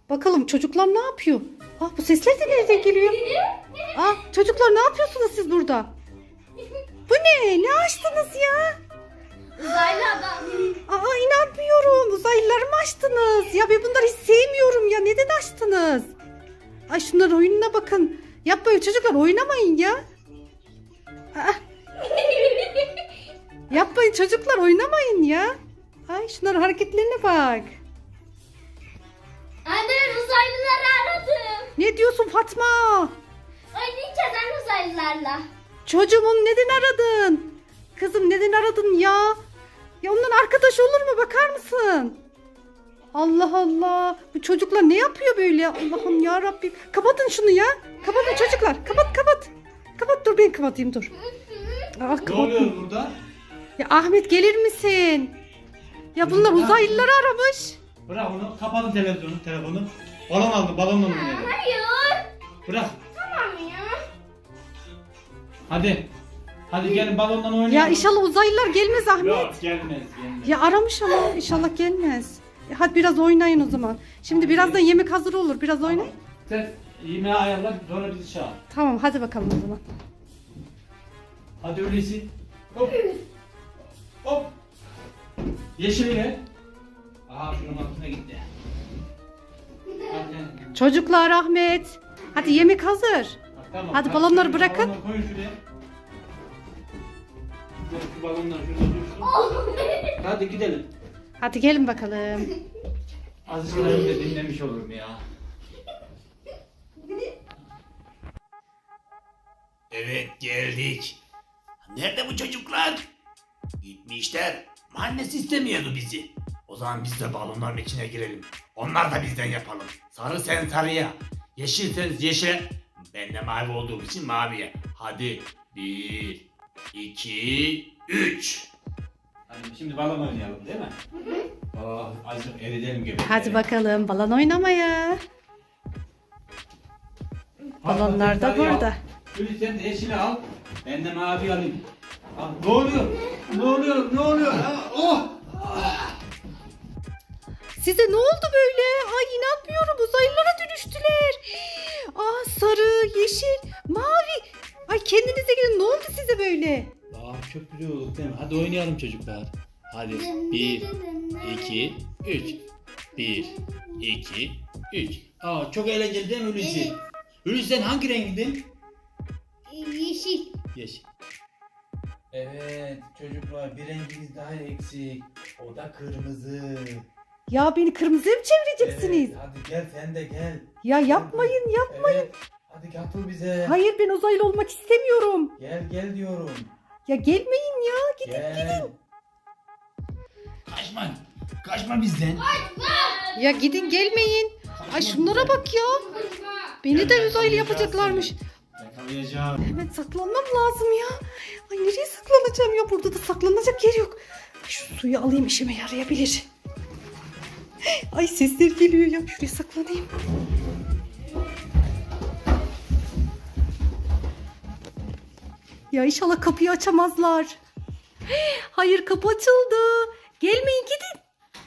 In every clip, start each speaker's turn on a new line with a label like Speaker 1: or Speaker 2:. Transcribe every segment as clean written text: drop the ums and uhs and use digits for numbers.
Speaker 1: Bakalım çocuklar ne yapıyor? Bu sesler de nereden geliyor? Çocuklar ne yapıyorsunuz siz burada? Bu ne? Ne açtınız ya?
Speaker 2: Uzaylı adam.
Speaker 1: İnanmıyorum. Uzaylıları mı açtınız? Ya ben bunları hiç sevmiyorum ya. Neden açtınız? Ay şunların oyununa bakın. Yapmayın çocuklar, oynamayın ya. Yapmayın çocuklar, oynamayın ya. Ay şunların hareketlerine bak.
Speaker 2: Anne ben uzaylıları aradım.
Speaker 1: Ne diyorsun Fatma?
Speaker 2: Oynayacağız anne uzaylılarla.
Speaker 1: Çocuğum onu neden aradın? Kızım neden aradın ya? Ya ondan arkadaş olur mu, bakar mısın? Allah Allah. Bu çocuklar ne yapıyor böyle? Allah'ım ya Rabbim. Kapatın şunu ya. Kapatın çocuklar. Kapat. Kapat, dur ben kapatayım dur.
Speaker 3: Ne oluyor burada?
Speaker 1: Ya Ahmet gelir misin? Ya bunlar uzaylıları aramış.
Speaker 3: Bırak onu. Kapatın telefonu. Balon aldım. Balonla oynayalım.
Speaker 2: Hayır.
Speaker 3: Bırak.
Speaker 2: Tamam ya.
Speaker 3: Hadi gelin balondan oynayalım.
Speaker 1: Ya inşallah uzaylılar gelmez Ahmet.
Speaker 3: Yok gelmez.
Speaker 1: Ya aramış ama inşallah gelmez. Hadi biraz oynayın o zaman. Şimdi birazdan yemek hazır olur. Biraz oynayın.
Speaker 3: Sen yemeği ayarla sonra bizi çağır.
Speaker 1: Tamam hadi bakalım o zaman.
Speaker 3: Hadi öyleyse. Hop. Hop. Yeşile. Şunun altına gitti. Hadi.
Speaker 1: Çocuklar Ahmet. Hadi yemek hazır.
Speaker 3: Tamam.
Speaker 1: Hadi balonları bırakın.
Speaker 3: Balonları koyun şuraya. Şu balonlar şurada dursun. Hadi gidelim.
Speaker 1: Hadi gelin bakalım.
Speaker 3: Azıcık da dinlemiş olurum ya.
Speaker 4: Evet geldik. Nerede bu çocuklar? Gitmişler. Annesi istemiyordu bizi. O zaman biz de balonların içine girelim. Onlar da bizden yapalım. Sarı sen sarıya. Yeşil sen yeşile. Ben de mavi olduğum için maviye. Hadi 1, 2, 3.
Speaker 3: Hadi şimdi balon oynayalım değil mi? Azıcık eridelim gibi.
Speaker 1: Hadi bakalım balon oynamaya. Balonlar da burada.
Speaker 3: Gülü sen de yeşili al. Ben de mavi alayım. Ne oluyor? Ne oluyor?
Speaker 1: Size ne oldu böyle? Ay inanmıyorum, uzaylılara dönüştüler. Sarı, yeşil, mavi. Ay kendinize gelin, ne oldu size böyle?
Speaker 4: Çok güzel olduk değil mi? Hadi oynayalım çocuklar. Hadi 1, 2, 3. 1, 2, 3. Çok eğlenceli değil mi Hulusi?
Speaker 2: Evet.
Speaker 4: Hulusi sen hangi rengindin?
Speaker 2: Yeşil.
Speaker 4: Yeşil. Evet çocuklar bir renginiz daha eksik. O da kırmızı.
Speaker 1: Ya beni kırmızıya mı çevireceksiniz?
Speaker 4: Evet, hadi gel sen de gel.
Speaker 1: Ya yapmayın.
Speaker 4: Evet. Hadi katıl bize.
Speaker 1: Hayır, ben uzaylı olmak istemiyorum.
Speaker 4: Gel diyorum.
Speaker 1: Ya gelmeyin ya, gidin.
Speaker 4: Gel. Kaçma bizden.
Speaker 1: Ya gidin, gelmeyin. Ay şunlara bak ya. Beni de uzaylı yapacaklarmış.
Speaker 3: Yakalayacağım.
Speaker 1: Hemen saklanmam lazım ya. Ay nereye saklanacağım ya? Burada da saklanacak yer yok. Şu suyu alayım, işime yarayabilir. Ay sesler geliyor ya. Şuraya saklanayım. Ya inşallah kapıyı açamazlar. Hayır, kapı açıldı. Gelmeyin, gidin.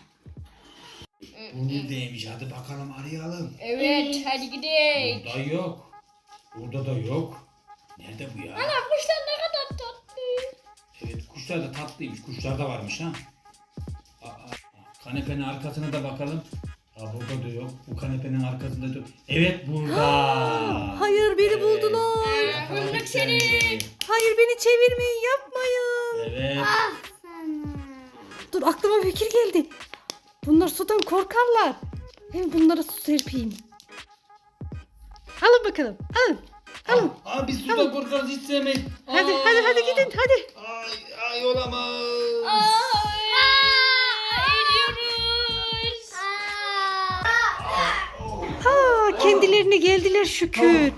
Speaker 4: Bu neredeymiş? Hadi bakalım arayalım.
Speaker 2: Evet hadi gidelim.
Speaker 4: Burada yok. Burada da yok. Nerede bu ya?
Speaker 2: Ana kuşlar ne kadar tatlı.
Speaker 4: Evet kuşlar da tatlıymış. Kuşlar da varmış ha. Kanepenin arkasına da bakalım. Burada da yok. Bu kanepenin arkasında da yok. Evet burada.
Speaker 1: Hayır, beni buldular.
Speaker 4: Yakaladık seni.
Speaker 1: Hayır, beni çevirmeyin, yapmayın.
Speaker 4: Evet.
Speaker 1: Dur, aklıma fikir geldi. Bunlar sudan korkarlar. Hem bunlara su serpeyim. Alın bakalım. Alın.
Speaker 4: Biz sudan korkarız hiç sevmeyiz.
Speaker 1: Hadi gidin hadi.
Speaker 4: Ay olamaz.
Speaker 2: Eriyoruz.
Speaker 1: Kendilerine geldiler şükür.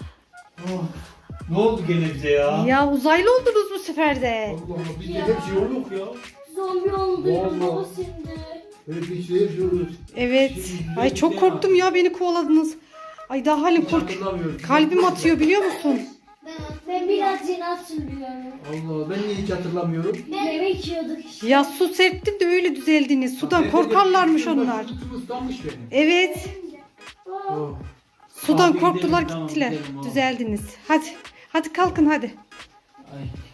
Speaker 3: Ne oldu gene bize ya?
Speaker 1: Ya uzaylı oldunuz bu sefer de.
Speaker 3: Allah Allah bizde hep şey olduk ya.
Speaker 2: Zombi olduk
Speaker 3: Vallahi.
Speaker 2: baba şimdi.
Speaker 3: Hep bir şey yapıyoruz.
Speaker 1: Evet. Ay çok korktum ya, beni kovaladınız. Ay daha halim Kalbim atıyor biliyor musun?
Speaker 2: Ben biraz yeni hatırlıyorum.
Speaker 3: Allah ben niye hiç hatırlamıyorum?
Speaker 2: Yemek yiyorduk işte.
Speaker 1: Ya su serptim de öyle düzeldiniz. Sudan korkarlarmış onlar.
Speaker 3: Islanmış benim.
Speaker 1: Evet.
Speaker 3: Oh.
Speaker 1: Sudan
Speaker 3: Abi
Speaker 1: korktular
Speaker 3: gidelim, tamam,
Speaker 1: gittiler.
Speaker 3: gidelim, oh.
Speaker 1: Düzeldiniz. Hadi. Hadi kalkın hadi.
Speaker 3: Ay.